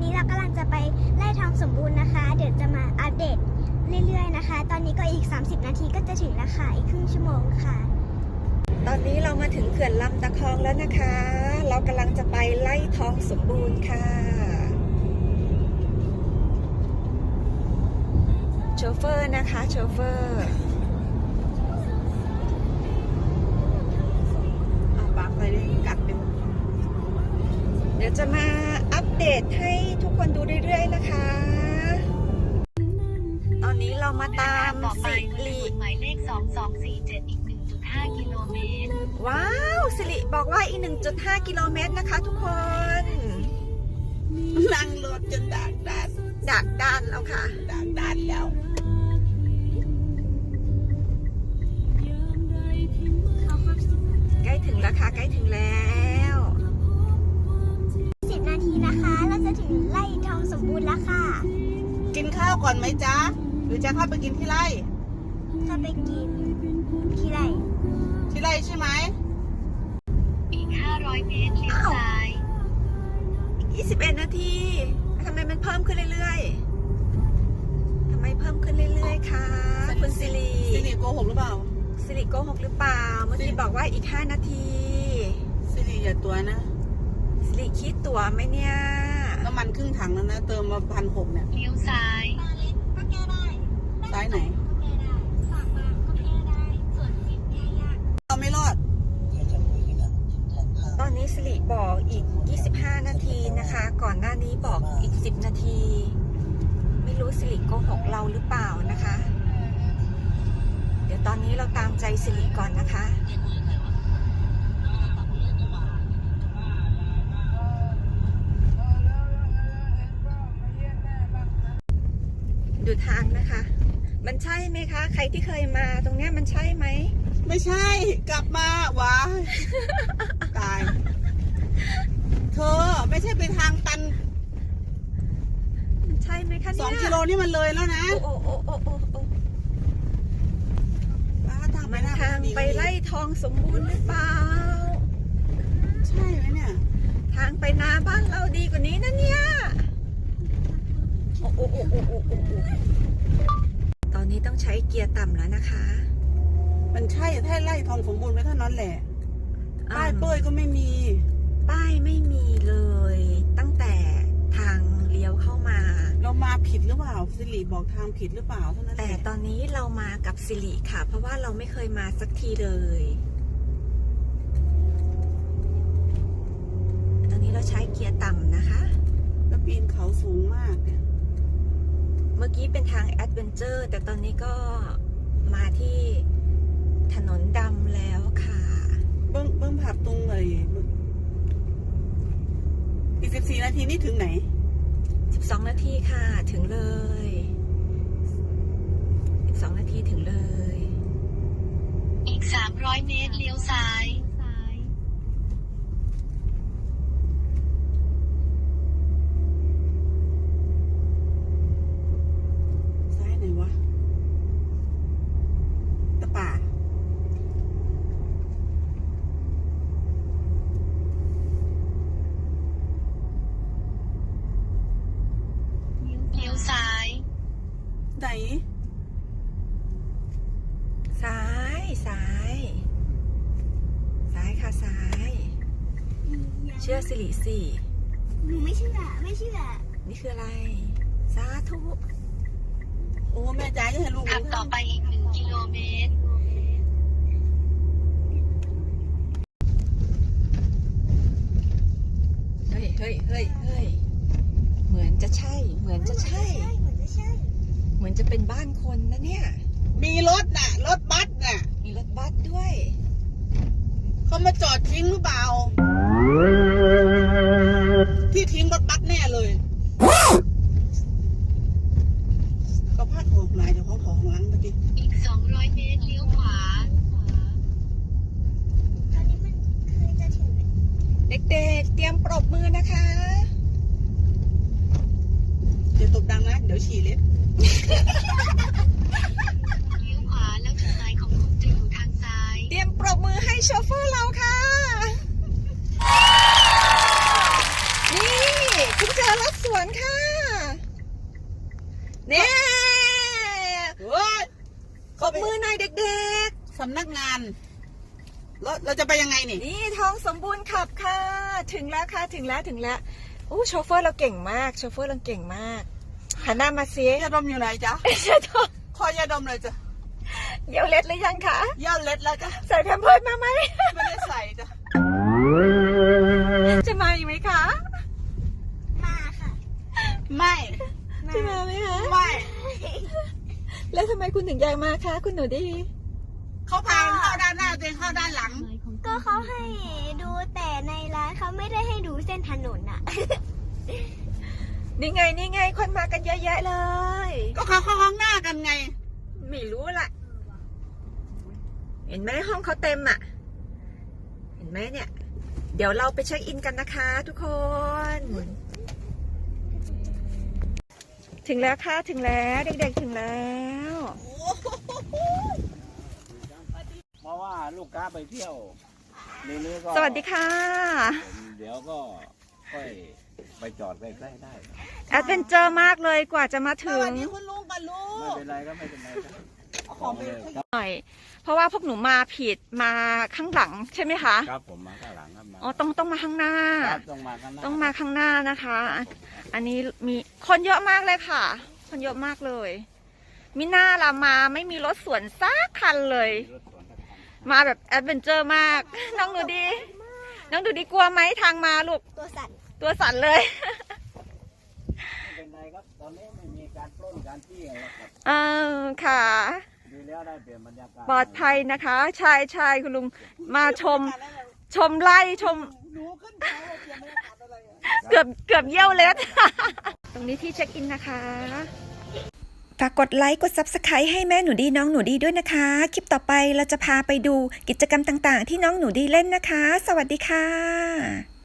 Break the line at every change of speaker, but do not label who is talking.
นี้เรากำลังจะไปไล่ทองสมบูรณ์นะคะเดี๋ยวจะมาอัปเดตเรื่อยๆนะคะตอนนี้ก็อีก30นาทีก็จะถึงแล้วค่ะอีกครึ่งชั่วโมงค่ะ
ตอนนี้เรามาถึงเขื่อนลำตะคองแล้วนะคะเรากำลังจะไปไล่ทองสมบูรณ์ค่ะโชเฟอร์นะคะโชเฟอร์เอาปากไปเลยกัดเป็นเดี๋ยวจะมาอัปเดตให้ทุกคนดูเรื่อยๆนะคะตอนนี้เรามาตามสิริ
หมายเลข2247อีก 1.5 กิโลเมตร
ว้าวสิริบอกว่าอีก 1.5 กิโลเมตรนะคะทุกคน
นั่งรถจนดักดัน
แล้วค่ะ
ดักดันแล้ว
ใกล้ถึงแล้วค่ะใกล้ถึงแล้ว
10นาทีนะคะเราจะถึงไล่ทองสมบูรณ์แล้วค่ะ
กินข้าวก่อนไหมจ๊ะหรือจะเข้าไปกินที่ไร่
ถ้าไปกินที่ไร่
ใช่ไหม
อีก500 เมตรเลี้ยวซ้าย
21 นาทีทำไมมันเพิ่มขึ้นเรื่อยๆทำไมเพิ่มขึ้นเรื่อยๆคะคุณสิริ
โกหกหรือเปล่า
สิริโกหกหรือเปล่าเมื่อกี้บอกว่าอีก5 นาที
สิริอย่าตัวนะ
สิริคิดตั๋วไหมเนี่ย
น้ำมันครึ่งถังแล้วนะเติมมา1,600เนี่ย
เลี้ยวซ้าย
ก็แก้ได้
ซ้ายไหน
ฝากมาก็แก้ได้ส่วนสิบแก้ยาก
เราไม่รอด
ตอนนี้สิริบอกอีก25 นาทีนะคะก่อนหน้านี้บอกอีก10 นาทีไม่รู้สิริโกหกเราหรือเปล่านะคะเดี๋ยวตอนนี้เราตามใจสิริก่อนนะคะดูทางนะคะมันใช่ไหมคะใครที่เคยมาตรงเนี้ยมันใช่ไหม
ไม่ใช่กลับมาว้าตายเธอไม่ใช่ไปทางตัน
มันใช่ไหมคะเนี่ย
2 กิโลนี่มันเลยแล้วนะ
โอ้มันทางไปไล่ทองสมบูรณ์หรือเปล่า
ใช่ไหมเนี่ย
ทางไปนาบ้านเราดีกว่านี้นะเนี่ยตอนนี้ต้องใช้เกียร์ต่ำแล้วนะคะ
มันใช่ถ้าไล่ทองสมบูรณ์ไปเท่านั้นแหละป้ายเป้ยก็ไม่มี
ป้ายไม่มีเลยตั้งแต่ทางเลี้ยวเข้ามา
เรามาผิดหรือเปล่าสิริบอกทางผิดหรือเปล่าเท่านั้น
แต่ตอนนี้เรามากับสิริค่ะเพราะว่าเราไม่เคยมาสักทีเลยตอนนี้เราใช้เกียร์ต่ำนะคะ
แล้วปีนเขาสูงมากเนี่ย
เมื่อกี้เป็นทางแอดเวนเจอร์แต่ตอนนี้ก็มาที่ถนนดำแล้วค่ะ
เบิ้งผับตรงเลยอีก14 นาทีนี่ถึงไหน
12 นาทีค่ะถึงเลย12 นาทีถึงเลย
อีก300 เมตรเลี้ยวซ้าย
ไหนวะตะป่า
เลี้ยวซ้าย
ไหน
ซ้ายค่ะซ้ายเชื่อสิริสิ
หนูไม่เชื่อ
นี่คืออะไรสาธุ
โอ้แม่จ๋าจะให้ลูก
ขับต่อไปอีก1 กิโลเมตร
เฮ้ยเหมือนจะใช่เหมือนจะเป็นบ้านคนนะเนี่ย
มีรถน่ะรถบัสน่ะ
มีรถบัสด้วย
เขามาจอดทิ้งหรือเปล่าที่ทิ้งรถบัสแน่เลยก็พาดหัวหลายเดี๋ยวเขาของหลังเมื่อกี้
อีก200 เมตรเลี้ยวขวา
ตอนนี้มันคือจะถึง
เด็กๆเตรียมปรบมือนะคะ
เดี๋ยวตบดังนะเดี๋ยวฉี่เล็ด
เลี้ยวขวาแล้วจุดหมายของคุณจะอยู่ทางซ้าย
เตรียมปรบมือให้โชเฟอร์เราค่ะนี่คุณจะอรถสวนค่ะเนี่ย
เฮ้ย
ขอบมือหน่อยเด็ก
สำนักงานเราจะไปยังไงนี่
ๆนี่ทองสมบูรณ์ขับค่ะ ถึงแล้วค่ะถึงแล้วอู้โชเฟอร์เราเก่งมากหันหน้ามาซิ
ยาดมอยู่ไหนจ๊ะ
เชื่อทอง
ขอยาดมเลยจ้ะ
เยี่ยวเล็ดหรือยังคะ
ยาเล็ดแล้วจ้ะ
ใส่แพมเพิร์สมาไหม
ไม่ได้ใส่จ้ะ
จะมาอีกไหมคะ
มาค่ะ
ไม่
จะมาไหมคะ
ไม่
แล้วทำไมคุณถึงอยากมาคะคุณหนูดี
เขาพาเข้าด้านหน้าตัวเองเข้าด้านหลัง
ก็เขาให้ดูแต่ในร้านเขาไม่ได้ให้ดูเส้นถนนอะ
นี่ไงคนมากันเยอะแยะเลย
ก็เขาเข้าข้างหน้ากันไง
ไม่รู้ละเห็นไหมห้องเขาเต็มอ่ะ เห็นไหมเนี่ย เดี๋ยวเราไปเช็คอินกันนะคะทุกคน ถึงแล้วค่ะถึงแล้วเด็กๆถึงแล้ว
เพราะว่าลูกค้าไปเที่ยวนี้ก็
สวัสดีค่ะ
ผมเดี๋ยวก็ค่อยไปจอดใกล้ๆได้
แอดเวนเจอร์มากเลยกว่าจะมา
ส
ถึง
วัสดีคุณลุงกับลู
ไม่
ก
เป็นไรก็ไม่เป็นไรครับ
ของไป
หน่อย เพราะว่าพวกหนูมาผิดมาข้างหลังใช่ไหมคะ
ครับผมมาข้างหลังครับมา
อ๋อต้องมาข้างหน้า
ครับต้องมาข้างหน้า
ต้องมาข้างหน้านะคะ อันนี้มีคนเยอะมากเลยค่ะ คนเยอะมากเลย มิน่าละมาไม่มีรถสวนซักคันเลย
รถสวนสักคัน
มาแบบแอดเวนเจอร์มาก น้องดูดี น้องดูดีกลัวไหมทางมาลูก
ตัวสั่น
ตัวสั่นเลย
ไม่เป็นไรครับตอนนี้ไม่มีการปล้นการจี้อะไรหรอกครับ
ค่ะ
ดีแล้วได้เปลี่ยนบรรยากาศ
ปลอดภัยนะคะใช่คุณลุงมาชมไล่ชม
หนูขึ้นเขาเตรียมไม่ได้ขับอะไรอะ
เกือบเยี่ยวเล็ด ตรงนี้ที่เช็คอินนะคะ ฝากกดไลค์กด Subscribe ให้แม่หนูดีน้องหนูดีด้วยนะคะ คลิปต่อไปเราจะพาไปดูกิจกรรมต่างๆ ที่น้องหนูดีเล่นนะคะ สวัสดีค่ะ